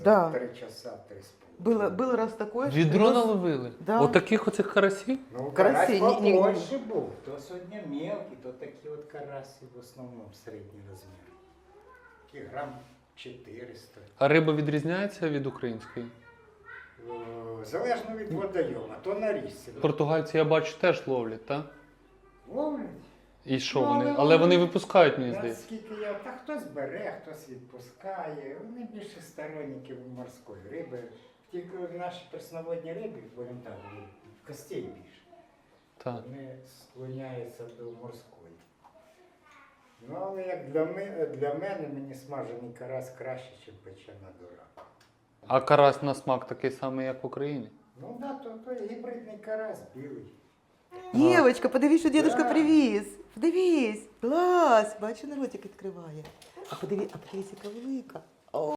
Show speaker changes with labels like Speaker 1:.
Speaker 1: за
Speaker 2: Да.
Speaker 1: 3 часа, 3,5.
Speaker 2: Был раз такое,
Speaker 3: Відро
Speaker 2: что-
Speaker 3: наловили?
Speaker 2: Да.
Speaker 3: Отаких оцих карасів?
Speaker 1: Ну,
Speaker 2: Карасі,
Speaker 1: карась
Speaker 2: ні-
Speaker 1: побольше був. То сьогодні мелкий, то такі от карасі в основному середній розмір. Такі грам 400.
Speaker 3: А риба відрізняється від української?
Speaker 1: Залежно від водойома, то на річці.
Speaker 3: Португальці, я бачу, теж ловлять, так?
Speaker 1: Ловлять.
Speaker 3: І що
Speaker 1: Ну,
Speaker 3: вони?
Speaker 1: але
Speaker 3: Але вони
Speaker 1: вони-
Speaker 3: випускають, мені здається.
Speaker 1: Наскільки я, та хтось бере, хтось відпускає. Вони більше сторонники морської риби. Тільки наші пресноводні риби, будемо так, костей більше.
Speaker 3: Так.
Speaker 1: Вони склоняються до морської. Ну, але як для мене мені смажений карась краще, ніж печена дура.
Speaker 3: А карась на смак такий самий, як в Україні?
Speaker 1: Ну да, то гібридний карась білий.
Speaker 2: Дівочка, подивись, що дідушка
Speaker 1: Да.
Speaker 2: привіз. Подивись. Клас. Бачу, ротик відкриває. А подивись, яка велика.